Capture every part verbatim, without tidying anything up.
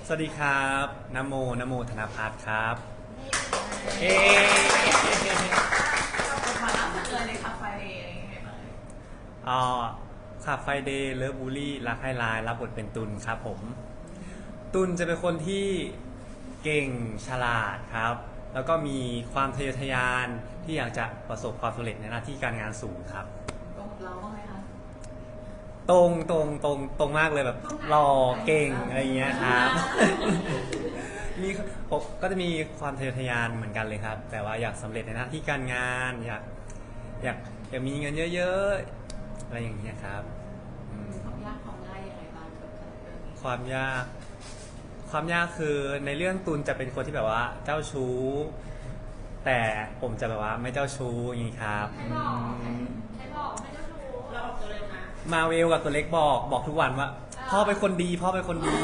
สวัสดีครับนโมนโมธนภัทรครับเอมาล่าสุดเลยในคาเฟ่เดย์อะไรอย่างเงี้ยบ้างอ๋อขับไฟเดย์เลิฟบูลี่รักให้ลายรับบทเป็นตุลครับผมตุลจะเป็นคนที่เก่งฉลาดครับ แล้วก็มีความทะเยอทะยานที่อยากจะประสบความสำเร็จในหน้าที่การงานสูงครับตรงเราบ้างไหมคะตรงตรงตรงตรงมากเลยแบบหล่อเก่งอะไรเงี้ยครับมีผมก็จะมีความทะเยอทะยานเหมือนกันเลยครับ แต่ว่าอยากสำเร็จในหน้าที่การงานอยากอยากอยากมีเงินเยอะๆอะไรอย่างเงี้ยครับความยากความง่ายยังไงบ้างกับคาแรคเตอร์นี้ความยากความยากคือในเรื่องตุลจะเป็นคนที่แบบว่าเจ้าชู้แต่ผมจะแบบว่าไม่เจ้าชู้อย่างนี้ครับใครบอกใครบอกไม่เจ้าชู้เราบอกตัวเร็วนะมาเวลกับตัวเล็กบอกบอกทุกวันว่าพ่อเป็นคนดีพ่อเป็นคนดี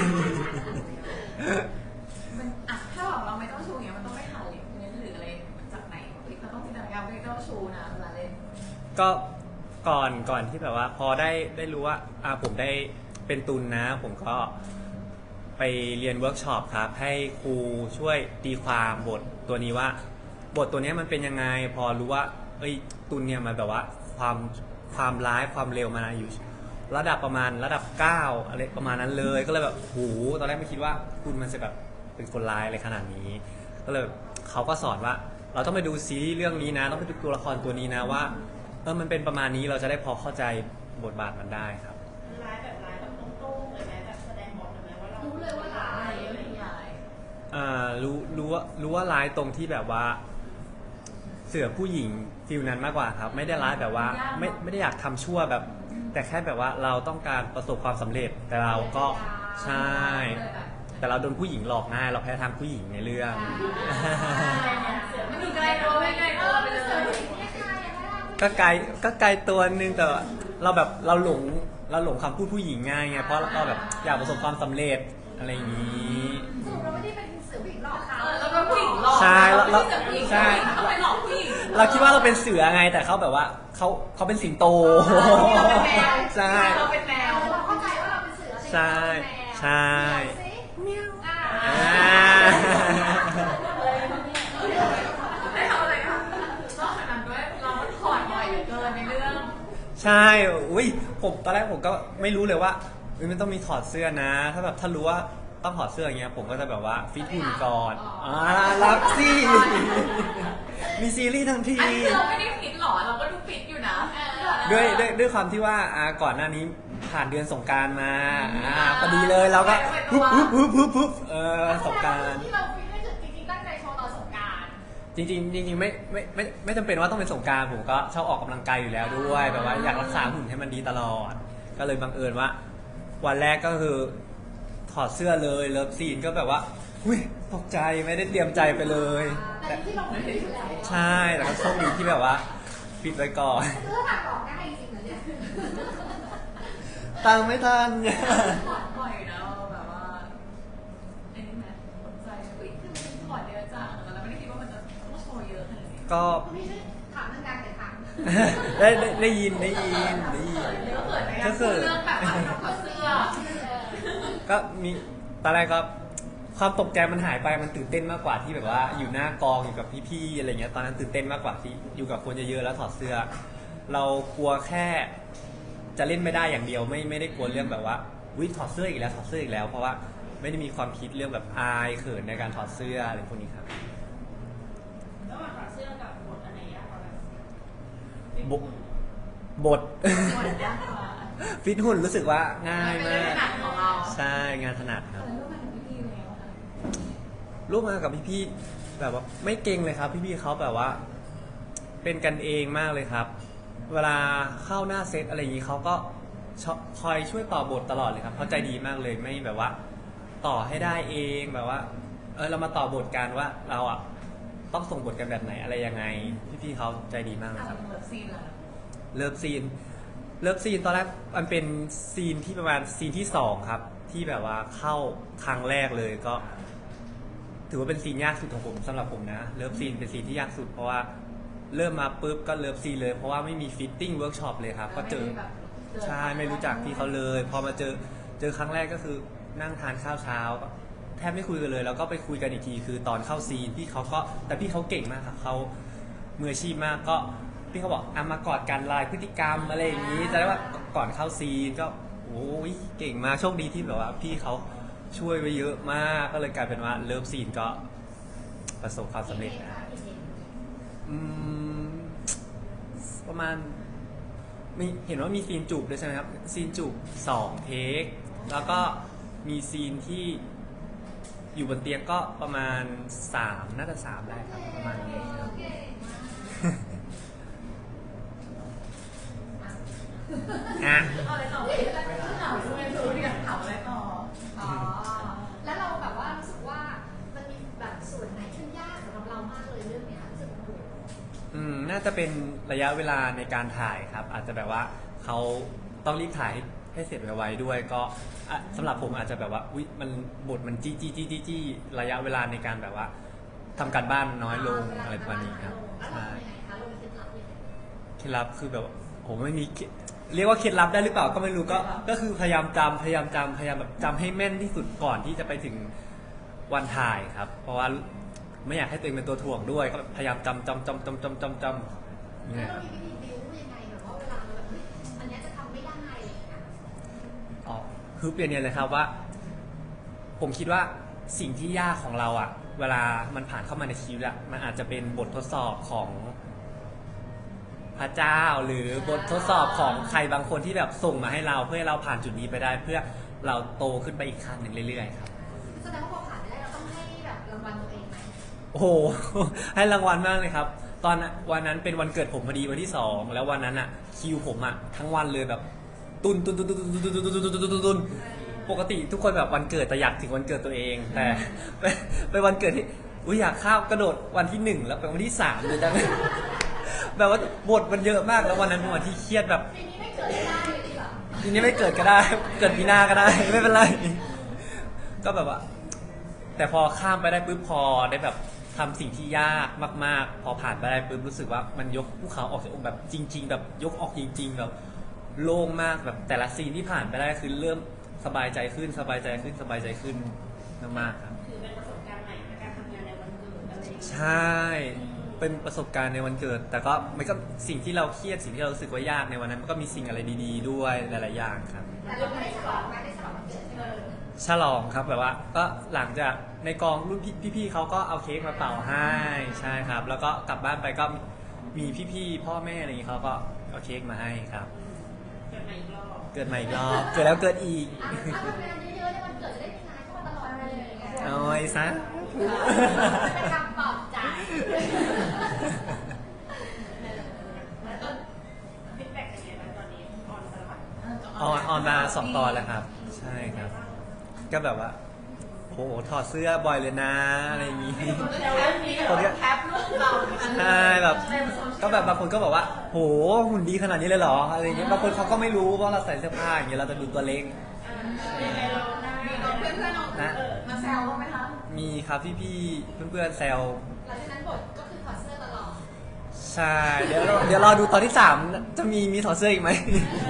มันอ่ะถ้าบอกเราไม่เจ้าชู้เนี่ยมันต้องไม่หาลิงก์เงินหรืออะไรจากไหนเราต้องจินตนาการไม่เจ้าชู้นะเวลาเล่นก็ก่อนก่อนที่แบบว่าพอได้ได้รู้ว่าอ่าผมได้เป็นตุลนะผมก็ไปเรียนเวิร์กช็อปครับให้ครูช่วยตีความบทตัวนี้ว่าบทตัวนี้มันเป็นยังไงพอรู้ว่าเอ้ยตุลเนี่ยมันแบบว่าความความร้ายความเร็วมันอยู่ระดับประมาณระดับเก้าอะไรประมาณนั้นเลยก็เลยแบบหูตอนแรกไม่คิดว่าตุลมันจะแบบเป็นคนร้ายอะไรขนาดนี้ก็เลยเขาก็สอนว่าเราต้องไปดูซีรีส์เรื่องนี้นะต้องไปดูตัวละครตัวนี้นะว่าเออมันเป็นประมาณนี้เราจะได้พอเข้าใจบทบาทมันได้ครับร้ายแบบร้ายแบบตรงๆเลยไหมแบบแสดงบทเลยไหมว่าเรารู้เลยว่าร้ายอะไรอย่างเงี้ยอ่ารู้รู้ว่ารู้ว่าร้ายตรงที่แบบว่าเสือผู้หญิงฟิลนั้นมากกว่าครับไม่ได้ร้ายแบบว่าไม่ไม่ได้อยากทำชั่วแบบแต่แค่แบบว่าเราต้องการประสบความสำเร็จแต่เราก็ใช่แต่เราโดนผู้หญิงหลอกง่ายเราแพ้ทางผู้หญิงในเรื่องมันอยู่ไกลตัวไม่ไกลตัวไปเลยก็ไกลก็ไกลตัวนึงแต่เราแบบเราหลงเราหลงคำพูดผู้หญิงง่ายไงเพราะเราแบบอยากประสบความสำเร็จอะไรอย่างนี้เราไม่ได้เป็นเสือผู้หญิงหลอกเขาเราเป็นผู้หญิงหลอกใช่เราใช่เขาไปหลอกผู้หญิงเราคิดว่าเราเป็นเสือไงแต่เขาแบบว่าเขาเขาเป็นสิงโตใช่เราเป็นแมวเราเข้าใจว่าเราเป็นเสือใช่ใช่ได้ทำอะไรคะนอกจากนั้นด้วยเราถอดบ่อยเหลือเกินในเรื่องใช่อุ้ยผมตอนแรกผมก็ไม่รู้เลยว่ามันต้องมีถอดเสื้อนะถ้าแบบถ้ารู้ว่าต้องถอดเสื้ออย่างเงี้ยผมก็จะแบบว่าฟิตหุ่นก่อนอ่ารับสิมีซีรีส์ทั้งทีอันนี้เราไม่ได้ฟิตหรอเราก็ดูฟิตอยู่นะด้วยด้วยด้วยความที่ว่าอ่าก่อนหน้านี้ผ่านเดือนสงกรานต์มาอ่าพอดีเลยเราก็ปุ๊บปุ๊บปุ๊บปุ๊บปุ๊บเออสงกรานต์ที่เราฟิตนี่คือจริงๆตั้งใจโชว์ตอนสงกรานต์จริงๆจริงๆไม่ไม่ไม่ไม่จำเป็นว่าต้องเป็นสงกรานต์ผมก็ชอบออกกำลังกายอยู่แล้วด้วยแบบว่าอยากรักษาหุ่นให้มันดีตลอดก็เลยบังเอิญว่าวันแรกก็คือถอดเสื้อเลยเลิฟซีนก็แบบว่าอุ้ยตกใจไม่ได้เตรียมใจไปเลยแต่ที่เราไม่ได้อยู่แล้วใช่แต่ก็โชคดีที่แบบว่าปิดไว้ก่อนเสื้อถักออกได้จริงเหรอเนี่ยตังไม่ทันถอดบ่อยนะแบบว่าไอ้นี่ไหมสนใจอุ้ยคือมันถอดเยอะจังแล้วไม่ได้คิดว่ามันจะต้องโชว์เยอะขนาดนี้ก็ไม่ใช่ถามเรื่องการแต่ถามได้ได้ยินได้ยินได้ยินก็เกิดเรื่องแบบว่าถอดเสื้อก็มีตอนแรกก็ความตกใจมันหายไปมันตื่นเต้นมากกว่าที่แบบว่าอยู่หน้ากองอยู่กับพี่ๆอะไรเงี้ยตอนนั้นตื่นเต้นมากกว่าที่อยู่กับคนเยอะๆแล้วถอดเสื้อเรากลัวแค่จะเล่นไม่ได้อย่างเดียวไม่ไม่ได้กลัวเรื่องแบบว่าวิถอดเสื้ออีกแล้วถอดเสื้ออีกแล้วเพราะว่าไม่ได้มีความคิดเรื่องแบบอายเขินในการถอดเสื้ออะไรพวกนี้ครับระหว่างถอดเสื้อกับบทอะไรยากกว่าบทบทฟิตหุ่นรู้สึกว่าง่ายมากใช่งานถนัดครับร่วมงานกับพี่ๆแบบว่าไม่เก่งเลยครับพี่ๆเขาแบบว่าเป็นกันเองมากเลยครับเวลาเข้าหน้าเซตอะไรอย่างนี้เขาก็คอยช่วยต่อบทตลอดเลยครับเขาใจดีมากเลยไม่แบบว่าต่อให้ได้เองแบบว่าเออเรามาต่อบทกันว่าเราอ่ะต้องส่งบทกันแบบไหนอะไรยังไงพี่ๆเขาใจดีมากเลยครับเลิฟซีนเลิฟซีนเลิฟซีนตอนแรกมันเป็นซีนที่ประมาณซีนที่สองครับที่แบบว่าเข้าครั้งแรกเลยก็ถือว่าเป็นซีนยากสุดของผมสำหรับผมนะเลิฟซีนเป็นซีนที่ยากสุดเพราะว่าเริ่มมาปุ๊บก็เลิฟซีนเลยเพราะว่าไม่มีฟิตติ้งเวิร์กช็อปเลยครับก็เจอใช่ไม่รู้จักพี่เขาเลยพอมาเจอเจอครั้งแรกก็คือนั่งทานข้าวเช้าก็แทบไม่คุยกันเลย แล้วก็ไปคุยกันอีกทีคือตอนเข้าซีนพี่เขาก็แต่พี่เขาเก่งมากครับเขามืออาชีพมากก็พี่เขาบอกอ่ะมากอดกันลายพฤติกรรมอะไรอย่างนี้จะได้ว่าก่อนเข้าซีนก็โอ้ยเก่งมากโชคดีที่แบบว่าพี่เขาช่วยไว้เยอะมากก็เลยกลายเป็นว่าเลิฟซีนก็ประสบความสำเร็จนะอืมประมาณมีเห็นว่ามีซีนจูบด้วยใช่ไหมครับซีนจูบสองเทคแล้วก็มีซีนที่อยู่บนเตียงก็ประมาณสามน่าจะสามได้ครับประมาณนี้ครับ อ่ะเอาอะไรต่อถามด้วยรู้ดิถามอะไรต่ออ๋อ แล้วเราแบบว่ารู้สึกว่ามันมีแบบส่วนไหนที่ยากสำหรับเรามากเลยเรื่องเนี้ยรู้สึกโอ้โหอืมน่าจะเป็นระยะเวลาในการถ่ายครับ อาจจะแบบว่าเขาต้องรีบถ่ายให้ให้เสร็จไวๆด้วย ก็อ่ะสำหรับผมอาจจะแบบว่าอุ๊ยมันบทมันจี้จี้จี้จี้จี้ระยะเวลาในการแบบว่าทำการบ้านน้อยลงอะไรประมาณนี้ครับแล้วเราใช่เป็นยังไงคะเรามีเคล็ดลับยังไงเคล็ดลับคือแบบผมไม่มีเคเรียกว่าเคล็ดลับได้หรือเปล่าก็ไม่รู้ก็ก็คือพยายามจำพยายามจำพยายามแบบจำให้แม่นที่สุดก่อนที่จะไปถึงวันถ่ายครับ เพราะว่าไม่อยากให้ตัวเองเป็นตัวถ่วงด้วยก็พยายามจำจำจำจำจำจำจำนี่แล้วคเรารับมีวิธีบิวยังไงแบบว่าเวลาเราแบบเฮ้ยอันเนี้ยจะทำไม่ได้อะไรอย่างเงี้ยอ๋อคือเปลี่ยนเนี่ยเลยครับว่า ผมคิดว่าสิ่งที่ยากของเราอะเวลามันผ่านเข้ามาในชีวิตอะมันอาจจะเป็นบททดสอบของพระเจ้า หรือบททดสอบของใครบางคนที่แบบส่งมาให้เราเพื่อให้เราผ่านจุดนี้ไปได้ เพื่อเราโตขึ้นไปอีกขั้นหนึ่งเรื่อยๆครับแสดงว่าพอผ่านไปได้เราต้องให้แบบรางวัลตัวเองไหมโอ้โห ให้รางวัลมากเลยครับ ตอนนั้นวันนั้นเป็นวันเกิดผมพอดีวันที่สองแล้ววันนั้นอะคิวผมอะทั้งวันเลยแบบ ตุนตุนตุนตุนตุนตุนตุนตุนตุนตุนตุนตุนตุนปกติทุกคนแบบวันเกิดแต่อยากถึงวันเกิดตัวเอง แต่เป็นเป็นวันเกิดที่อุ้ยอยากข้ามกระโดดวันที่หนึ่งแล้วเป็นวันที่สามเลยจัง แบบว่าบทมันเยอะมากแล้ววันนั้นเป็นวันที่เครียดแบบปีนี้ไม่เกิดไม่ได้เลยดีกว่าทีนี้ไม่เกิดก็ได้ เกิดปีหน้าก็ได้ ไม่เป็นไร ก็แบบว่า แต่พอข้ามไปได้ปุ๊บพอได้แบบทำสิ่งที่ยากมากๆ พอผ่านไปได้ปุ๊บรู้สึกว่ามันยกภูเขาออกจากอกแบบจริง ๆ แบบยกออกจริง ๆ แบบโล่งมากแบบแต่ละซีนที่ผ่านไปได้คือเริ่มสบายใจขึ้นสบายใจขึ้นสบายใจขึ้นมากๆครับถือเป็นประสบการณ์ใหม่ในการทำงานในวันเกิดอะไรอย่างเงี้ยใช่ เป็นประสบการณ์ในวันเกิด แต่ก็มันก็สิ่งที่เราเครียดสิ่งที่เรารู้สึกว่ายากในวันนั้นมันก็มีสิ่งอะไรดีๆด้วยหลายๆอย่างครับแต่เราไม่ได้ฉลองนะได้ฉลองวันเกิดใช่ไหมฉลองครับแบบว่าก็หลังจากในกองรุ่นพี่พี่ๆเขาก็เอาเค้กมาเป่าให้ใช่ครับ แล้วก็กลับบ้านไปก็มีพี่ๆพ่อแม่อะไรอย่างนี้เขาก็เอาเค้กมาให้ครับเกิดมาอีกรอบเกิดใหม่อีกรอบเกิดแล้วเกิดอีกอ่ะถ้าทำงานเยอะๆในวันเกิดจะได้มีงานเข้ามาตลอดเลยอย่างเงี้ยเอาไว้ซะเป็นคำปลอบใจแล้วก็ฟีดแบ็กเป็นยังไงบ้างตอนนี้ออนตลอดออนออนมาสองตอนแล้วครับ ใช่ครับ ก็แบบว่าโหถอดเสื้อบ่อยเลยนะอะไรอย่างนี้แล้วเรื่องนี้แบบแคปรูปเราใช่แบบก็แบบบางคนก็บอกว่าโหหุ่นดีขนาดนี้เลยเหรออะไรอย่างเงี้ยบางคนเขาก็ไม่รู้ว่าเราใส่เสื้อผ้าอย่างเงี้ยเราจะดูตัวเล็กยังไงเราได้มีน้องเพื่อนเพื่อนน้องนะมาแซวบ้างไหมคะมีครับพี่พี่ๆเพื่อนๆแซวหลังจากนั้นบทก็คือถอดเสื้อตลอดใช่เดี๋ยวเราเดี๋ยวรอดูตอนที่สามจะมีมีถอดเสื้ออีกไหม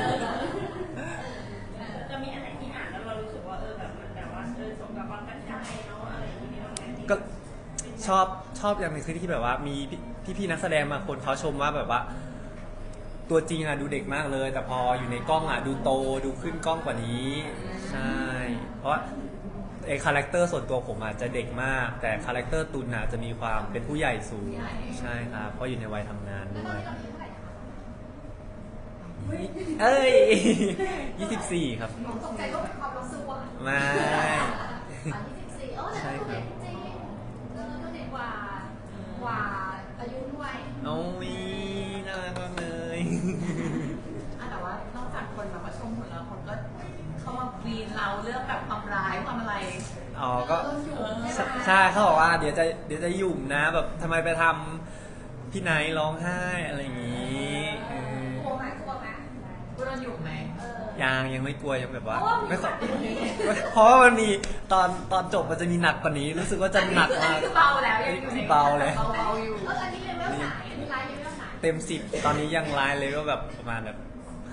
จะมีอันไหนที่อ่านแล้วเรารู้สึกว่าเออแบบมันแบบว่าเออสมกับความตั้งใจเนาะอะไรอย่างเงี้ยบ้างไหมก็ชอบชอบอย่างหนึงคือที่แบบว่ามีพี่พี่ๆนักแสดงบางคนเขาชมว่าแบบว่า ตัวจริงอะดูเด็กมากเลย แต่พออยู่ในกล้องอะดูโตดูขึ้นกล้องกว่านี้ใช่เพราะว่าไอคาแรคเตอร์ส่วนตัวผมอาจจะเด็กมาก แต่คาแรคเตอร์ตุนอะจะมีความเป็นผู้ใหญ่สูงใช่ครับเพราะอยู่ในวัยทำงานแล้วด้ตอวน ยนี้เราอายุเท่าไหร่นะคะเอ้ย ยี่สิบสี่ครับผมตกใจว่าเป็นความรู้สึกว่าไม่สามสิบสี่เออแต่ก็เด็กจริงเออก็เด็กกว่ากว่าอายุด้วยโอ้ยน่ารักมากเลยอ่ะแต่ว่านอกจากคนแบบว่าชมหุ่นแล้วคนก็เข้ามาวีนเราเรื่องแบบความร้ายความอะไรอ๋อก็โดนอยู่ใช่ไหมใช่เขาบอกว่าเดี๋ยวจะเดี๋ยวจะหยุ่มนะแบบทำไมไปทำพี่ไนท์ร้องไห้อะไรอย่างงี้เออกลัวไหมกลัวไหมกูโดนอยู่ไหมเออยังยังไม่กลัวยังแบบว่าเพราะว่ามีไม่ค่อยหนักกว่านี้เพราะว่ามันมีตอนตอนจบมันจะมีหนักกว่านี้ รู้สึกว่าจะหนักอันมากนี้คือเบาแล้วยังอยู่ในเบาแล้วเบาๆอยู่เอออันนี้เลเวลไหนอันนี้ไลฟ์เลเวลไหนเต็มสิบตอนนี้ยังไลน์เลยก็แบบประมาณแบบ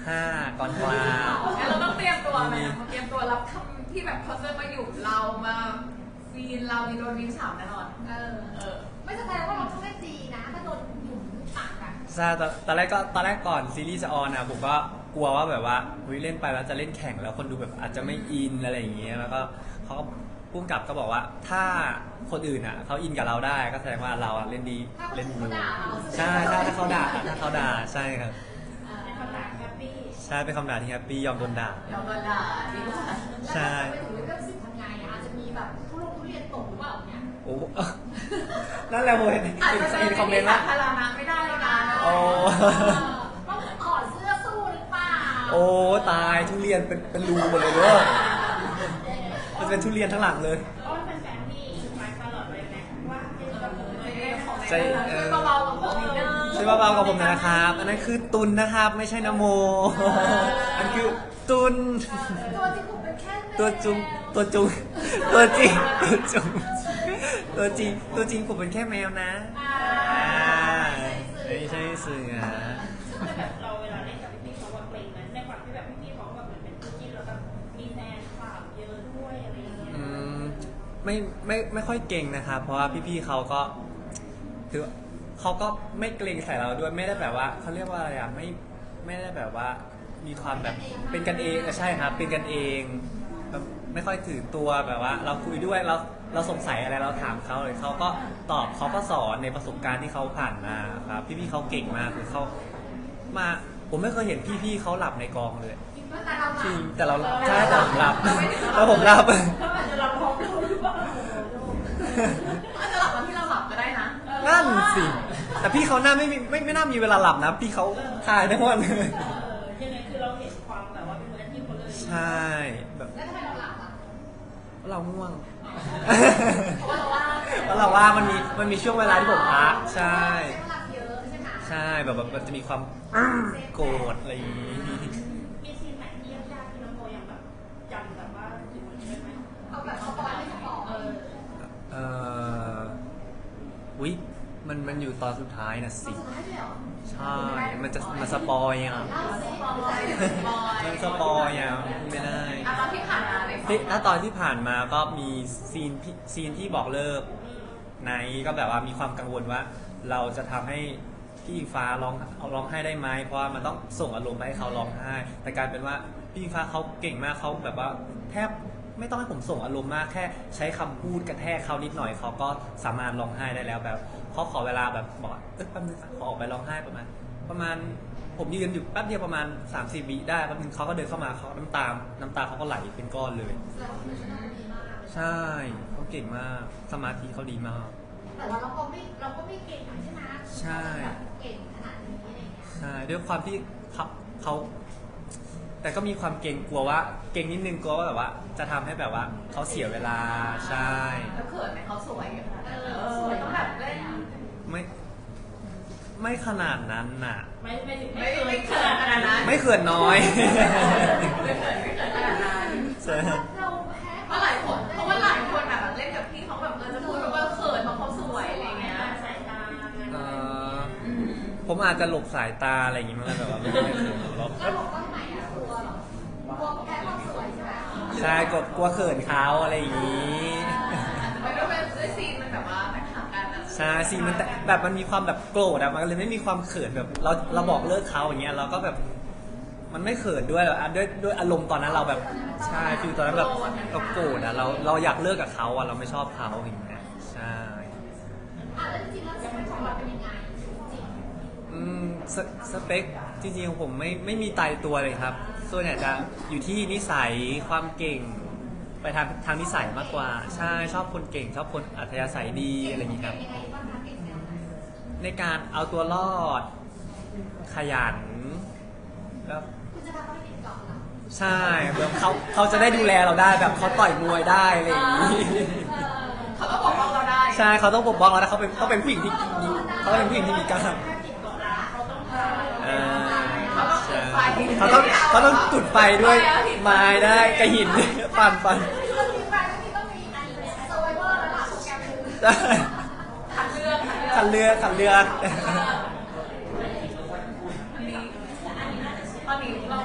ห้าก่อนกลางงั้นเราต้องเตรียมตัวไหมเตรียมตัวรับคำที่แบบเขาจะมาอยู่เรามาฟีนเรามีโดนวินฉาบแน่นอนเออเออไม่แสดงว่าเราต้องเล่นดีนะ ถ้าโดนหยุมปากอะใช่ตอนตอนแรกก็ตอนแรกก่อนซีรีส์จะออนอ่ะผมก็กลัวว่าแบบว่าเฮ้ยเล่นไปแล้วจะเล่นแข่งแล้วคนดูแบบอาจจะไม่อินอะไรอย่างเงี้ยแล้วก็เขาก็พุ่งกลับก็บอกว่าถ้าคนอื่นอ่ะเขาอินกับเราได้ก็แสดงว่าเราอ่ะเล่นดีถ้าคนเล่นอื่นดีเขาด่าเราใช่ใช่ถ้าเขาด่าถ้าเขาด่าใช่ครับในคำถามแฮปปี้ใช่เป็นคำด่าที่แฮปปี้ยอมโดนด่าเราโดนด่าดีกว่าใช่แล้วถ้าจะไปถึงเรื่องสิบทำไงอะอาจจะมีแบบทุลงทุเรียนตกหรือเปล่าเนี่ยโอ้ นั่นแหละผมเห็นอาจจะเห็นคอมเมนต์สาว่าธารณะไม่ได้แล้วนะโอ้ต้องถอดเสื้อสู้หรือเปล่าโอ้ตายทุเรียนเป็นเป็นรูหมดเลยเด้อมันเป็นทุเรียนทั้งหลังเลยเพราะว่าเป็นแฟนที่มาตลอดเลยนะว่าเป็นกระเป๋าเลยของใจเออเบาๆกับผมนิดนึงช่วยเบาๆกับผมหน่อยนะครับ อันนั้นคือตุนนะครับ ไม่ใช่นโม อันคือตุนตัวจริงผมเป็นแค่แมวตัวจุงตัวจุงตัวจริงตัวจุงตัวจริงตัวจริงผมเป็นแค่แมวนะอ่าอ่าไม่ใช่เสือแต่แบบเราเวลาเล่นกับพี่ๆเขาว่าเกรงนะในความที่แบบพี่ๆเขาแบบเหมือนเป็นคู่จิ้นแล้วแบบมีแฟนคลับเยอะด้วยอะไรอย่างเงี้ยอืมไม่ไม่ไม่ค่อยเก่งนะครับ เพราะว่าพี่ๆเขาก็คือเขาก็ไม่เกรงใส่เราด้วยไม่ได้แบบว่าเขาเรียกว่าอะไรอ่ะไม่ไม่ได้แบบว่ามีความแบบเป็นกันเองเออใช่ครับ เป็นกันเองแบบไม่ค่อยถือตัวแบบว่า เราคุยด้วยเราเราสงสัยอะไรเราถามเขาเลยเขาก็ตอบเขาก็สอนในประสบการณ์ที่เขาผ่านมาครับ พี่ๆเขาเก่งมากคือเขามาผมไม่เคยเห็นพี่ๆเขาหลับในกองเลยแต่เราจริงแต่เราใช่แต่ผมหลับแล้วผมหลับถ้ามันจะรับพร้อมเราหรือเปล่าอาจจะหลับตอนที่เราหลับก็ได้นะนั่นสิ แต่พี่เขาหน้าไม่มีไม่ไม่น่ามีเวลาหลับนะ พี่เขาถ่ายทั้งวันเลยเออยังไงคือเราเห็นความแบบว่าเป็นมืออาชีพเขาเลยใช่แบบแล้วทำไมเราหลับอ่ะเราง่วงเพราะว่าเราว่าเพราะเราว่ามันมีมันมีช่วงเวลาที่ผมพักใช่ใช้พลังเยอะใช่ไหมใช่แบบแบบมันจะมีความโกรธอะไรอย่างนี้มีซีนไหนที่ยากๆที่น้องโมยังแบบจำแบบว่าอยู่ได้ไหมเอาแบบสปอยไม่สปอยเออเอ่อวิมันมันอยู่ตอนสุดท้ายนะตอสินสุดท้ายเลยเหรอใช่ มันจะมันสปอยอ่ะเล่าสิบอยบอยมันสปอยอ่ะไม่ได้อ่ะตอนที่ผ่านมาในที่ถ้าตอนที่ผ่านมาก็มีซีนพี่ซีนที่บอกเลิกไนท์ก็แบบว่ามีความกังวลว่า เราจะทำให้พี่อิงฟ้าร้องเอาร้องไห้ได้ไหมเพราะว่ามันต้องส่งอารมณ์ไปให้เขาร้องไห้ แต่กลารเป็นว่าพี่อิงฟ้าเขาเก่งมากเขาแบบว่าแทบไม่ต้องให้ผมส่งอารมณ์มากแค่ใช้คำพูดกระแทกเขานิดหน่อยเขาก็สามารถร้องไห้ได้แล้วแบบเขาขอเวลาแบบบอกว่าเออแป๊บนึงขอออกไปร้องไห้ประมาณ ประมาณผมยืนอยู่แป๊บเดียวประมาณสามสี่วิได้แป๊บนึงเขาก็เดินเข้ามาเขาน้ำตาน้ำตาเขาก็ไหลเป็นก้อนเลยแสดงว่าคุณชนะดีมากใช่เขาเก่งมากสมาธิเขาดีมากแต่ว่าเราก็ไม่เราก็ไม่เก่งใช่ไหมใช่แบบเก่งขนาดนี้อะไรเงี้ยใช่ด้วยความที่เขาเขาแต่ก็มีความเกรงกลัวว่า เกรงนิดนึงกลัวว่าแบบว่า จะทำให้แบบว่าเขาเสียเวลาใช่แล้วเขินไหมเขาสวยอะเออสวยต้องแบบเล่นไม่ไม่ขนาดนั้นน่ะไม่ไม่ถึงไม่ไม่เขินขนาดนั้นไม่เขื่อนน้อยไม่เขินไม่เขินขนาดนั้นใช่เราแพ้เพราะหลายคนเพราะว่าหลายคนแบบเล่นกับพี่เขาแบบเออจะพูดแบบว่าเขินเพราะเขาสวยอะไรเงี้ยสายตาเอ่อผมอาจจะหลบสายตาอะไรอย่างงี้มั้งแบบว่าไม่ไม่เขินหรอกแล้วบอกว่าทำไมอ่ะกลัวเหรอกลัวแพ้ความสวยใช่ไหมใช่กดกลัวเขินเขาอะไรอย่างงี้ไม่ด้วยเป็นด้วยซีนมันแบบว่าแตกต่างกันอะใช่สิมันแต่แบบมันมีความแบบโกรธอะมันเลยไม่มีความเขินแบบเราเราบอกเลิกเขาอย่างเงี้ยเราก็แบบมันไม่เขินด้วยหรอกอะด้วยด้วยอารมณ์ตอนนั้นเราแบบใช่ฟิลตอนนั้นแบบเราโกรธอะเราเราอยากเลิกกับเขาอะเราไม่ชอบเขาอย่างเงี้ยใช่อ่ะแล้วจริงๆแล้วสเปคของเราเป็นยังไงจริงอืมสสเปคจริงๆของผมไม่ไม่มีตายตัวเลยครับ ส่วนใหญ่จะอยู่ที่นิสัยความเก่ง ไปทางทางนิสัยมากกว่า ใช่ชอบคนเก่ง ชอบคนอัธยาศัยดีอะไรอย่างนี้ครับยังไงบ้างคะเก่งแนวไหนในการเอาตัวรอด ขยันแล้วคุณจะทำให้ติดเกาะเหรอใช่แบบเขาเขาจะได้ดูแลเราได้แบบเขาต่อยมวยได้อะไรอย่างนี้เออเขาก็บอกว่าเราได้ใช่เขาต้องปกป้องเรานะเขาเป็นเขาเป็นผู้หญิงที่มีเขาเป็นผู้หญิงที่มีกล้ามเขาต้องทำเออเขาต้องจุดไฟเขาต้องเขาต้องจุดไฟด้วยไม้ได้กระหินปั่นปั่นเรื่องนี้ไปต้องมีต้องมีอันเซอร์ไวเวอร์แล้วล่ะโปรแกรมนึงได้คัดเลือกขันเรือขันเรืออันนี้ตอนนี้เรา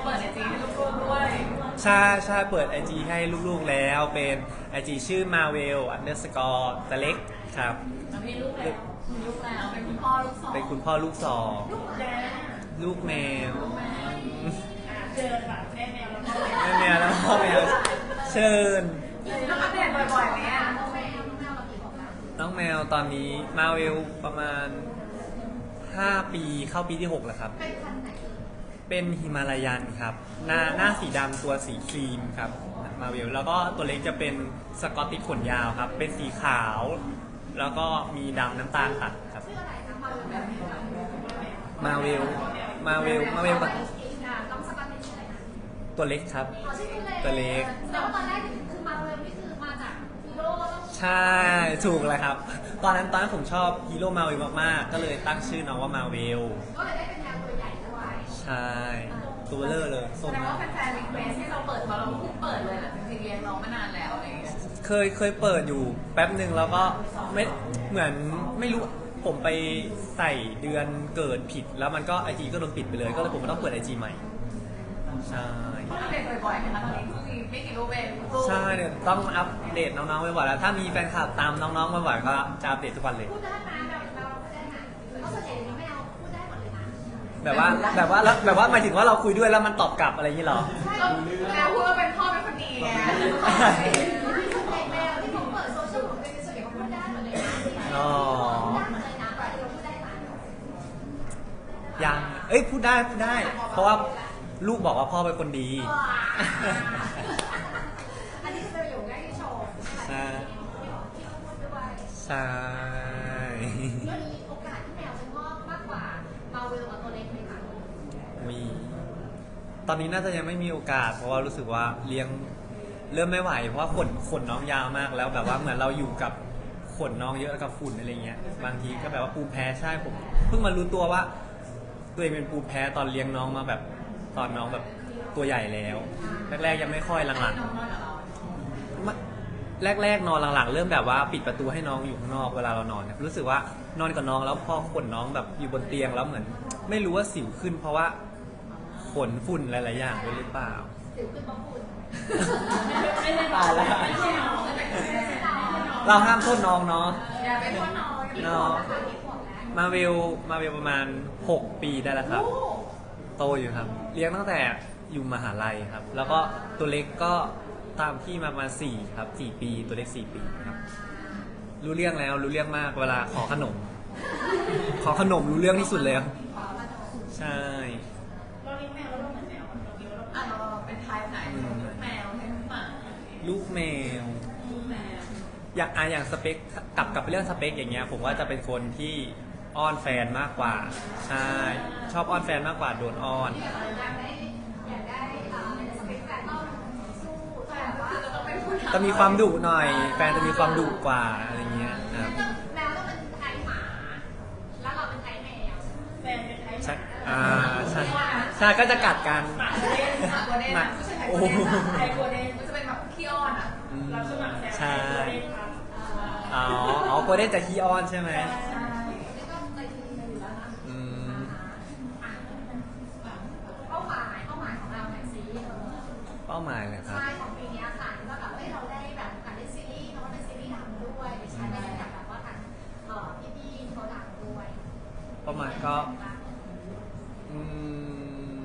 ใช่ใช่เปิด ไอ จี ให้ลูกๆแล้วเป็น ไอ จี ชื่อ marvel underscore ตะเล็กครับแล้วมีลูกแล้วมีลูกแล้วเป็นคุณพ่อลูกสองเป็นคุณพ่อลูกสองแดนลูกแมวลูกแม่อ่ะเจอแบบแม่แมวแล้วก็แม่แมวแล้วพ่อแมวเชิญต้องอัปเดตบ่อยๆไหมอ่ะน้องแมวน้องแมวเรากี่บอกแล้วน้องแมวตอนนี้มาเวลประมาณห้าปีเข้าปีที่หกแล้วครับเป็นพันธุ์ไหนเป็นฮิมาลายันครับ หน้าหน้าสีดำตัวสีครีมครับมาเวลแล้วก็ตัวเล็กจะเป็นสกอตติชขนยาวครับ เป็นสีขาว แล้วก็มีดำน้ำตาลตัดครับชื่ออะไรคะมาเป็นแบบนี้ค่ะมาเวลมาเวลมาเวลกับน้องสกอตเป็นชื่ออะไรนะตัวเล็กครับอ๋อชื่อเล็กตัวเล็กแต่ว่าตอนแรกคือมาเวลนี่คือมาจากฮีโร่แล้วก็ใช่ถูกเลยครับ ตอนนั้นตอนนั้นผมชอบฮีโร่มาเวลมากๆ ก็เลยตั้งชื่อน้องว่ามาเวลก็เลยได้เป็นแมวตัวใหญ่ด้วยใช่ ตัวเลอร์เลยแสส้มดงมาว่าก แฟนๆรีเควสให้เราเปิดพอเราเพิ่งเปิดเลยแหละจริงๆเลี้ยงน้องมานานแล้วอะไรอย่างเงี้ยเคยเคยเปิดอยู่แป๊บหนึ่งแล้วก็ไม่เหมือนไม่รู้ผมไปใส่เดือนเกิดผิด แล้วมันก็ไอจีก็โดนปิดไปเลย ก็เลยผมก็ต้องเปิดไอจีใหม่ ใช่ต้องอัปเดตบ่อยๆนะคะตอนนี้เพิ่งมีไม่กี่รูปเองรูปใช่เนี่ยต้องอัปเดตน้องๆบ่อยๆแล้ว ถ้ามีแฟนคลับตามน้องๆบ่อยๆก็จะอัปเดตทุกวันเลยพูดได้นะแบบเราพูดได้นะเพราะส่วนใหญ่ไม่เอาพูดได้หมดเลยนะแบบว่าแบบว่าแล้วแบบว่าหมายถึงว่าเราคุยด้วยแล้วมันตอบกลับอะไรอย่างนี้เหรอใช่ก็แล้วพูดว่าเป็นพ่อเป็นคนดีไงส่วนใหญ่แมวที่เขาเปิดโซเชียลของตัวเองส่วนใหญ่เขาพูดได้หมดเลยนะอ๋อได้หมดเลยนะแต่เราพูดได้ไหมยัง เอ้ยพูดได้พูดได้ เพราะว่าลูกบอกว่าพ่อเป็นคนดีอันนี้จะเป็นประโยคแรกที่โชว์ใช่ที่เราพูดด้วยใช่ก็มีโอกาสที่แมวจะงอกมากกว่ามาเวลกับตัวเล็กไหมคะมี ตอนนี้น่าจะยังไม่มีโอกาส เพราะว่ารู้สึกว่าเลี้ยงเริ่มไม่ไหว เพราะว่าขนขนน้องยาวมากแล้วแบบว่าเหมือนเราอยู่กับขนน้องเยอะกับฝุ่นอะไรเงี้ย บางทีก็แบบว่าภูมิแพ้ใช่ผมเพิ่งมารู้ตัวว่าตัวเองเป็นภูมิแพ้ตอนเลี้ยงน้องมาแบบตอนน้องแบบตัวใหญ่แล้ว แรกๆยังไม่ค่อยหลังน้องน้อยกับเราๆไม่แรกๆนอนหลังๆ เริ่มแบบว่าปิดประตูให้น้องอยู่ข้างนอกเวลาเรานอนเนี่ยรู้สึกว่านอนกับน้องแล้วพอขนน้องแบบอยู่บนเตียงแล้วเหมือน ไม่รู้ว่าสิวขึ้น เพราะว่าขนฝุ่นหลายๆอย่างด้วยหรือเปล่าสิวขึ้นเพราะฝุ่นไม่ได้ตายแล้วไม่ใช่น้องไม่ใช่น้องเราห้ามโทษน้องเนาะอย่าไปโทษน้องอย่าไปโทษน้องนะคะมีขวดแล้วมาเวลมาเวลประมาณหกปีได้แล้วครับ โตอยู่ครับ เลี้ยงตั้งแต่อยู่มหาลัยครับ แล้วก็ตัวเล็กก็ตามพี่มาประมาณสี่ครับสี่ปีตัวเล็กสี่ปีครับ รู้เรื่องแล้วรู้เรื่องมากเวลาขอขนม ขอขนมรู้เรื่องที่สุดเลยครับใช่เราเลี้ยงแมวแล้วเราเหมือนแมวเราเลี้ยงแล้วอ่ะเราเป็นไทป์ไหนแมวให้หมาลูกแมวแมวอย่างอ่ะอย่างสเปคกลับกลับไปเรื่องสเปคอย่างเงี้ยผมว่าจะเป็นคนที่อ้อนแฟนมากกว่าใช่ชอบอ้อนแฟนมากกว่าโดนอ้อนอยากได้อยากได้เอ่อสเปคแฟนต้องสู้แบบว่าคือจะต้องเป็นผู้นำจะมีความดุหน่อย แฟนจะมีความดุกว่าอะไรเงี้ยครับแมวต้องเป็นไทยหมา แล้วเราเป็นไทยแมวแฟนเป็นไทยใช่อ่าใช่ใช่ก็จะกัดกันหมาโกลเด้นหมาโกลเด้นหมาไม่ใช่ไทยโอ้โกลโหเด้นไทยโกลเด้นมันจะเป็นแบบขี้อ้อนอ่ะอืมเราสมัครแซวใช่ตัวเองครับอ๋ออ๋อโกลเด้นจะขี้อ้อนใช่ไหมใช่นี่ก็ใจดีอยู่แล้วนะอืมเป้าหมายเป้าหมายของเราไหนอยสิเออเป้าหมายเลยครับใช่ของปีนี้ค่ะว่าแบบเอ้ยเราได้แบบการเล่นซีรีส์เพราะว่าเป็นซีรีส์ดังด้วยดิฉันได้จากแบบว่าทางเอ่อพี่ๆเขาดังด้วยเป้าหมายก็อืม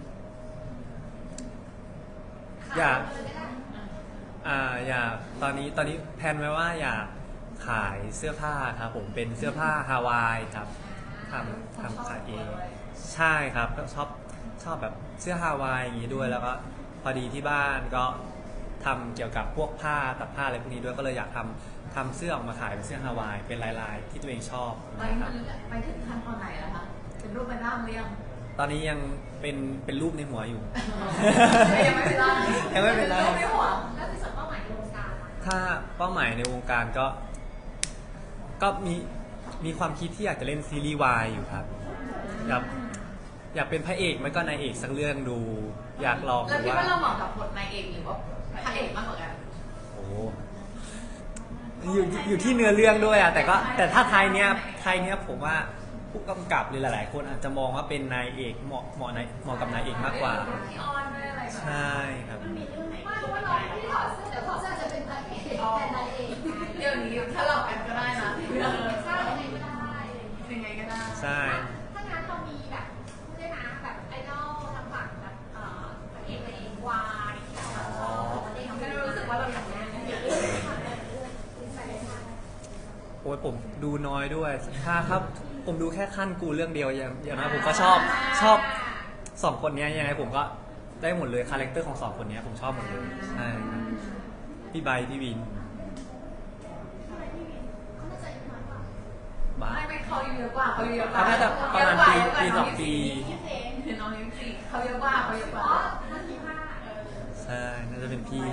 อยากเลยก็ได้อ่าอยากตอนนี้ตอนนี้แพลนไว้ว่าอยากขายเสื้อผ้าครับผมเป็นเสื้อผ้าฮาวายครับทำทำขายเองใช่ครับก็ชอบชอบแบบเสื้อฮาวายอย่างนี้ด้วย แล้วก็พอดีที่บ้านก็ทำเกี่ยวกับพวกผ้าตัดผ้าอะไรพวกนี้ด้วยก็เลยอยากทำทำเสื้อออกมาขายเป็นเสื้อฮาวายเป็นลายๆ ที่ตัวเองชอบไปนะคมัรับนไปถึงขั้นตอนไหนแล้วคะเป็นรูปเป็นร่างหรือยังตอนนี้ยังเป็นเป็นรูปในหัวอยู่ยังไม่เป็นร่างยังไม่เป็นร่างไม่หัวแล้วในส่วนเป้าหมายในวงการล่ะถ้าเป้าหมายในวงการก็ ก็มีมีความคิดที่อยากจะเล่นซีรีส์วายอยู่ครับอยากอยากเป็นพระเอกไม่ก็นายเอกสักเรื่องดู อยากลองแล้วดูคิดว่าว่าเราเหมาะกับบทนายเอกหรือว่าพระเอกมากกว่ากันโอ้อยู่อยู่ที่เนื้อเรื่องด้วยอะแต่ก็แต่ถ้าไทยเนี้ยไทยเนี้ยผมว่าผู้กำกับหรือหลาย ๆ คนอาจจะมองว่าเป็นนายเอกเหมาะเหมาะนายเหมาะกับนายเอกมากกว่าที่อ้อนด้วยอะไรใช่ครับมันมีเรื่องไหนไม่ที่ว่าเราเราไม่ที่ได้ถอดเสื้อเดี๋ยวถอดเสื้อจะเป็นพระเอกเป็นนายเองเดี๋ยวนี้ถ้าเรากันก็ได้นะใช่ยังไงก็ได้อะไรอย่างเงี้ยยังไงก็ได้ใช่ถ้างั้นเรามีแบบพูดได้นะแบบไอดอลทางฝั่งแบบเอ่อพระเอกในวายที่เราแบบชอบเราได้ทำไม่รู้สึกว่าเราอย่างนั้นโอ้ยผมดูน้อยด้วย ถ้าครับผมดูแค่ขั้นกูเรื่องเดียวอย่างอย่างนั้นผมก็ชอบชอบสองคนเนี้ยยังไงผมก็ได้หมดเลยคาแรคเตอร์ของสองคนเนี้ยผมชอบหมดเลยใช่ครับพี่ใบพี่วินเขาน่าจะอายุน้อยกว่าบ้าไม่ไม่เขาเยอะกว่าเขาเยอะกว่าเขาน่าจะประมาณปีปีสองปีคือน้องนิ้วสี่เขาเยอะกว่าเขาเยอะกอ๋ว่าอนั่นที่ห้าเออใช่น่าจะเป็นพี่อ่ะ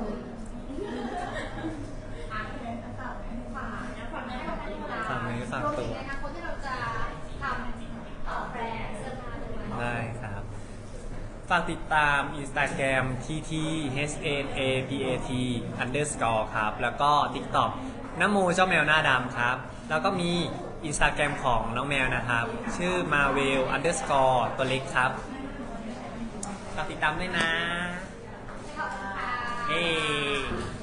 ฝากฝากนะฝากนะฝากนะฝากเนื้อฝากตัวรวมถึงในอนาคตที่เราจะทำต่อแบรนด์เสื้อผ้าด้วยได้ครับ ฝากติดตาม Instagram ที ที เอช เอ็น เอ พี เอ ที underscore ครับ แล้วก็ TikTok น้ำโมเจ้าแมวหน้าดำครับ แล้วก็มี Instagram ของน้องแมวนะครับ ชื่อ marvel underscore ตัวเล็กครับฝากติดตามด้วยนะขอบคุณค่ะเฮ้